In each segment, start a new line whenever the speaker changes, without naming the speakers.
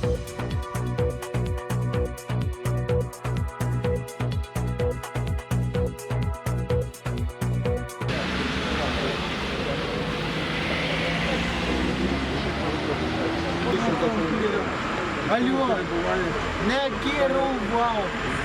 Алло, не керував.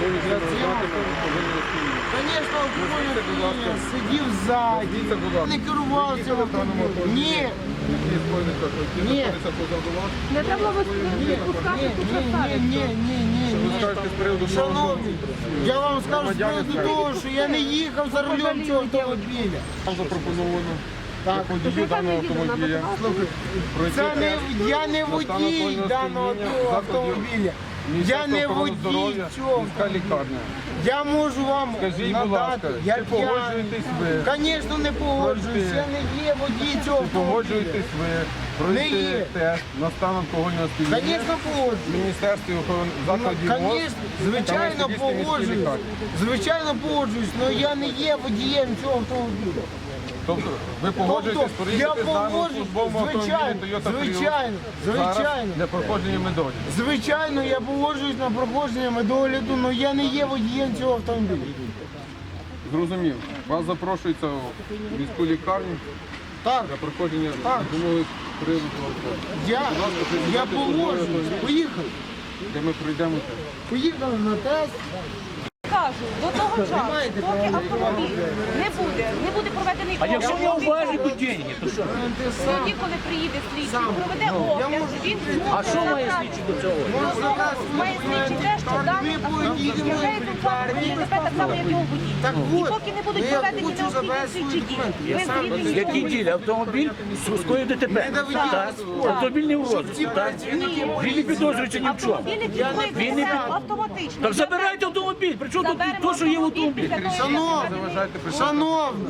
Звісно, алкоголь сидів ззаді. Не керував цього автомобілем. Ні. Ні.
Не треба випускати тут заставити.
Ні. Шановні, я вам скажу з приводу того, що я не їхав за рулем цього автомобіля.
Вам запропоновано
Так.
водію даного автомобіля.
Це не, я не водій даного автомобіля. Я не водій цього.
Лікарня.
Я можу вам
Скажіть, будь ласка,
я
чи погоджуєтесь ви?
Звісно, не погоджуюсь. Я не є водій цього
Чи
автомобіля.
погоджуєтесь ви
Не є.
пройти тест на стан алкогольного сп'яніння
Звісно,
в
погоджуюсь.
Міністерстві охорони закладів МОЗ?
Звісно, звичайно, погоджуюсь. Звичайно, погоджуюсь, але я не є водієм цього автомобіля.
Тобто ви погоджуєтесь
Тобто, я
проїхати з даним
погоджуюсь,
службовим автомобілем
звичайно,
Toyota Prius
звичайно,
зараз
звичайно.
для проходження медоді?
Звичайно, я погоджуюсь на проходження медогляду, але я не є водієм цього автомобіля.
Зрозумів. Вас запрошується в міську лікарню
Так,
для проходження
Так.
допомоги приводу алкоголю.
я погоджуюсь. Поїхали.
Де ми пройдемо тест.
Поїхали на тест.
Кажу, до того часу, поки автомобіль не буде проведений
А якщо не уважить деньги, то що?
тоді, коли приїде слідчий, проведе огляд, він
А що має слідчий до цього?
має слідчий те, що даний автомобіль є учасником ДТП так само, як його водій.
Так
І
от,
поки не будуть
я
проведені
хочу
необхідні
забрати
слідчі
свої
дії, ви звільнені.
Які ділі? Автомобіль скоїв ДТП. Так. Автомобіль не в розвитку. Так. Він не підозрюється ні в чому.
Автомобілі
Він не
підходять автоматично.
Так забирайте автомобіль. Причому тут то, що є в автомобілі?
Шановні,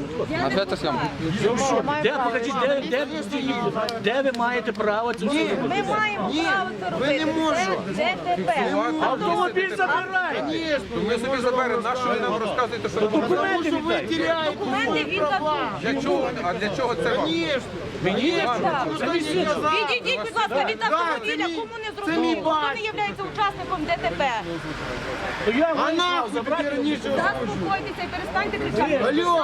Де, покажіть, де ви маєте право це все робити?
Ми маємо право це
ви не
робити.
можете.
Це ДТП.
Автомобіль забирайте.
То ми собі заберемо, на що ви нам розказуєте, що
Документи
ви
віддайте.
теряєте
Документи він
для чого? А для чого це вам?
Мені? Це мій син.
Відійдіть, будь ласка, від автомобіля, кому не зрозуміло, хто не є учасником ДТП.
То я
А
маю право
нахуй
забрати.
тобі раніше
Заспокойтеся і перестаньте кричати.
Алло,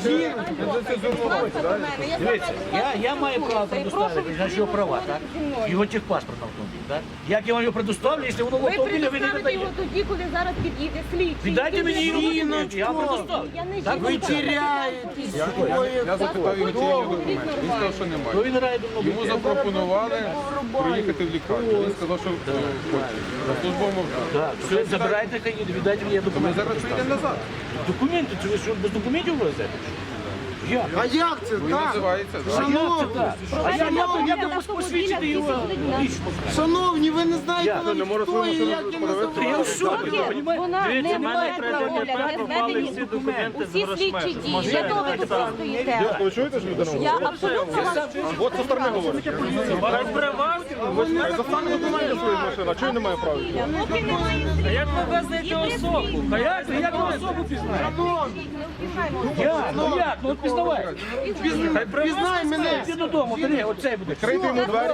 Дивіться, я маю право предоставити, значить його права, так? Його техпаспорт на автомобіль, так? Як я вам його предоставлю, якщо воно в
Ви
автомобілі ви не
предоставите його
видаєте?
тоді, коли зараз під'їде слідчий.
Віддайте мені його
Жіночко.
документи, я вам предоставлю.
Я не
Так,
жінка.
ви теряєтесь.
Я запитав його, чи є його документи. Він сказав, що
То
немає.
він грає давно.
Йому запропонували проїхати в лікарню. Він сказав, що хоче. На службовому авто.
Так, все, забирайте, хай їде, віддайте мені
Ми
документи.
зараз прийдемо назад.
Документи, це ви що, без документів везете? Як?
А як це
Він
так?
називається.
А як це
Шановні,
так? А як ви посвідчите його лічно?
шановні, ви не знаєте,
Я
хто і як я
Я в
називаю.
шокі, розумієте?
Вона не
Дивіться,
має права огляд, не зведені усі слідчі дії. Для того ви тут стоїте.
Ви чуєте, що людина
Я
говорить?
абсолютно вас
От со сторони говорить. Достане документи свої з машини, а чого він не має права?
поки немає слідчого.
Як ви везете особу? А як ви особу пізнаєте? Як? Ну як? Ну от пізнавай.
Пізнай мене.
Іди додому, бери, оцей буде.
Крийте йому двері.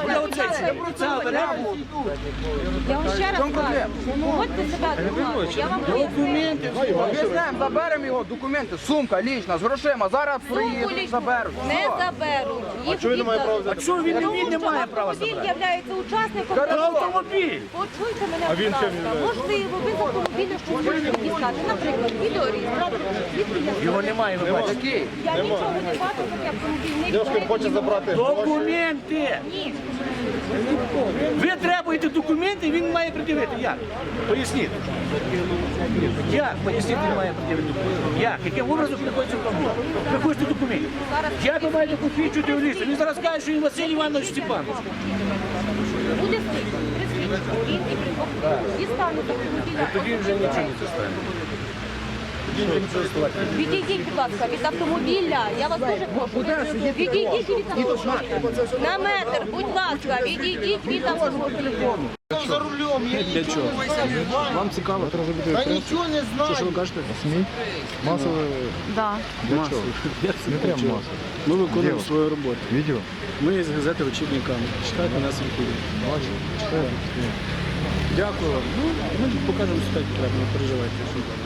Я вам ще раз кажу, поводьте себе адекватно. Я вам поясню.
Візьмемо, заберемо його документи, сумка лічна, з грошима. Зараз
Сумку
приїдуть,
лічну
заберуть.
не заберуть. Їх
чого він не має права взяти?
А чого він не має права
Автомобіль
забрати?
є учасником.
Це автомобіль.
Почуйте мене, будь ласка. Можливо, ви з автомобіля щось можете дістати. Наприклад, відеореєстратор.
Його немає, ви бачите.
Який?
Я нічого не бачу, поки автомобіль не
Дівчинка хоче забрати гроші.
Документи!
Ні.
Ви требуєте документи, він має пред'явити. Як? Поясніть. Як? Поясніть, він має пред'явити документи. Як? Яким образом приходиться автомобіль? Ви хочете документів. Як ви маєте посвідчити юриста? Він зараз каже, що він Василь Іванович Степанович.
Буде слідчий. При слідчому він і при дістане з автомобіля.
Тоді вже нічого не стане.
Відійдіть, будь ласка, від автомобіля. Я вас дуже прошу. Відійдіть від автомобіля. На метр, будь ласка, відійдіть від автомобіля.
За рулем, я нічого не знаю.
Вам цікаво?
Та нічого не
Що ви
знаю.
кажете? СМІ? Масове?
Да.
Для чого? Не треба масово.
Ми виконуємо свою роботу.
Відео?
Ми з газети «Очільниками». Читайте нас відповідь.
Бачу. Читаю.
Дякую вам. Ну, ми покажемо сюди, треба, не переживайте.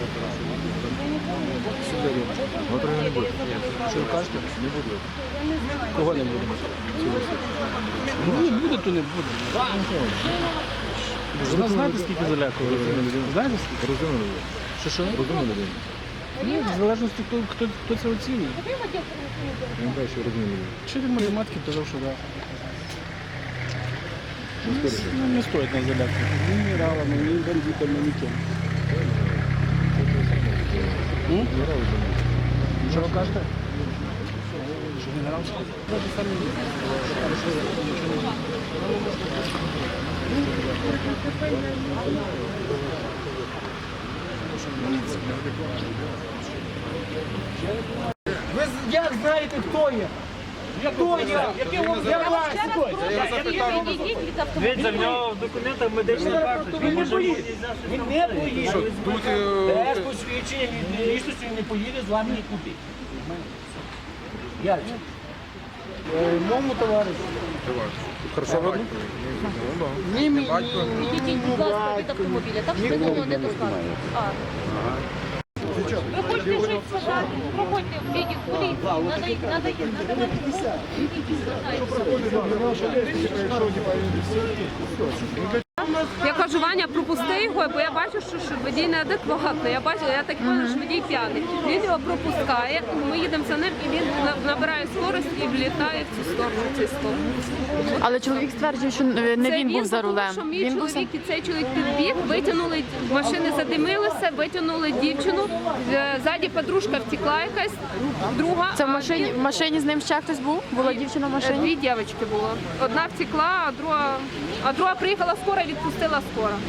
Завтра не буде.
Що ви кажете?
Не буде.
Кого не буде? Ну, буде, то не буде. Ви знаєте, скільки залякували? Знаєте, скільки?
Розумно людей.
Що?
Розумно людей.
Ну, в залежності, хто це оцінює.
Я не знаю, що розумно людей.
Вчитель математики казав, що так. Ну, не стоїть нас залякувати. Ні генералами, ні бандитами, ніким. Що ви кажете? Що генерал сказав?
Ви як знаєте, хто є? Хто є? Яке вам
Я вас ще раз прошу, відійдіть від автомобіля.
нього в документах медичний
Він не поїде. Він не поїде.
Тут
Без посвідчення від лічності він не поїде з вами нікуди. Ярче. Моєму товаришу.
хорошо видно?
Ні мені,
Відійдіть, будь ласка, від автомобіля. Так спину не достануть. Ви хочете щось сказати? Проходьте в відділ поліції. Надайте.
Я кажу, Ваня, пропусти його, бо я бачу, що водій неадекватний. Я так бачу, що водій п'яний. Він його пропускає, ми їдемо за ним, і він набирає скорость і влітає в цю сторону.
Але чоловік стверджує, що не він був за рулем.
Тому, що мій
Він був
чоловік і цей чоловік підбіг, витягнули, машини задимилися, витягнули дівчину. Ззаді подружка втекла якась, друга.
Це в машині з ним ще хтось був? Була дівчина в машині?
Дві дівчинки було. Одна втекла, а друга приїхала скоро і відпустила скоро.